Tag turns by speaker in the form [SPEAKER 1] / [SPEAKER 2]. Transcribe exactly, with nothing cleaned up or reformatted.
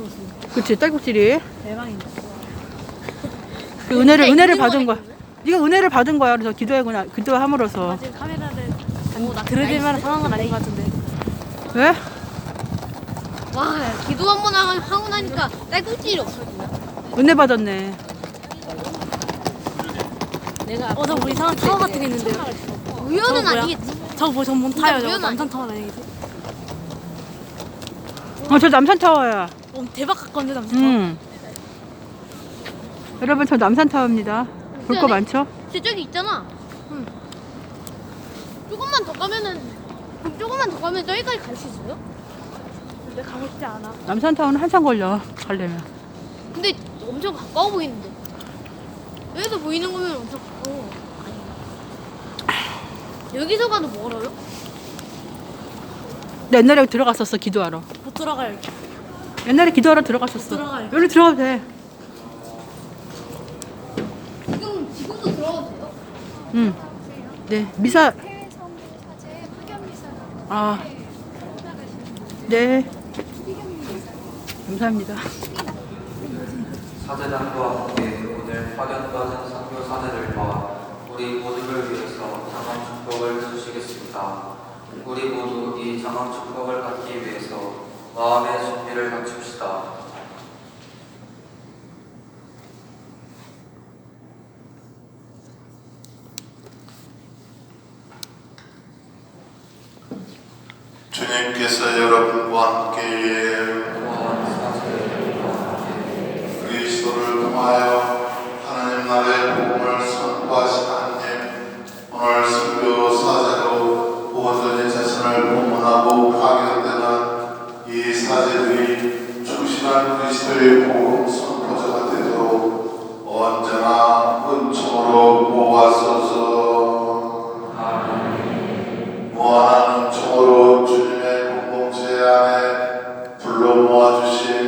[SPEAKER 1] 그치, 딸꾹질이.
[SPEAKER 2] 대박인데.
[SPEAKER 1] 그 은혜를 은혜를 받은 거야. 네가 은혜를 받은 거야. 그래서 기도하구나. 기도함으로써.
[SPEAKER 2] 지금 카메라를 들어줄 만한 상황은 아닌 것 같은데.
[SPEAKER 1] 왜?
[SPEAKER 3] 와, 기도 한 번 하고 나니까 딸꾹질이 없어지냐?
[SPEAKER 1] 은혜 받았네.
[SPEAKER 2] 내가 어, 저 뭐 이상한 타워 같은 게 있는데요.
[SPEAKER 3] 우연은
[SPEAKER 2] 뭐야?
[SPEAKER 3] 아니겠지?
[SPEAKER 2] 저거 뭐 전문 타요. 저거
[SPEAKER 3] 우연
[SPEAKER 2] 남산 타워 아니겠지?
[SPEAKER 1] 어, 저 남산 타워야.
[SPEAKER 2] 어, 대박 같건데 남산 타워.
[SPEAKER 1] 음. 여러분, 저 남산 타워입니다. 볼 거 많죠?
[SPEAKER 3] 저쪽이 있잖아. 응. 조금만 더 가면은 조금만 더 가면 저기까지 갈 수 있어요?
[SPEAKER 2] 근데 가고 싶지 않아.
[SPEAKER 1] 남산 타워는 한참 걸려. 가려면.
[SPEAKER 3] 근데 엄청 가까워 보이는데. 여기서 보이는 거면 엄청 가까워. 아니. 여기서 가도 멀어요?
[SPEAKER 1] 나 옛날에 들어갔었어. 기도하러.
[SPEAKER 2] 못 들어가요. 여기.
[SPEAKER 1] 옛날에 기도하러 들어갔었어.
[SPEAKER 2] 들어가요.
[SPEAKER 1] 여기 들어가도 돼.
[SPEAKER 3] 지금 지금도 들어가도 돼요?
[SPEAKER 1] 응. 네. 미사.
[SPEAKER 4] 해외 선교 사제 파견 미사로
[SPEAKER 1] 아.
[SPEAKER 4] 나가시는
[SPEAKER 1] 네.
[SPEAKER 4] 추기경 미사.
[SPEAKER 1] 감사합니다.
[SPEAKER 5] 사제단과 함께 오늘 파견받은 선교 사제들 과 우리 모두를 위해서 장엄 축복을 주시겠습니다. 우리 모두 이 장엄 축복을 받기 위해서 마음의 준비를 갖춥시다.
[SPEAKER 6] 주님께서 여러분과 함께 그리스도를 통하여 하나님 나라의 복음을 선포하신 하나님, 오늘 선교 사제로 온전히 자신을 봉헌하고 파견되는 이 사제들이 충실한 그리스도의 복음 선포자가 되도록 언제나 은총으로 모아소서. 무한한 은총으로 주님의 공동체 안에 불러 모아주신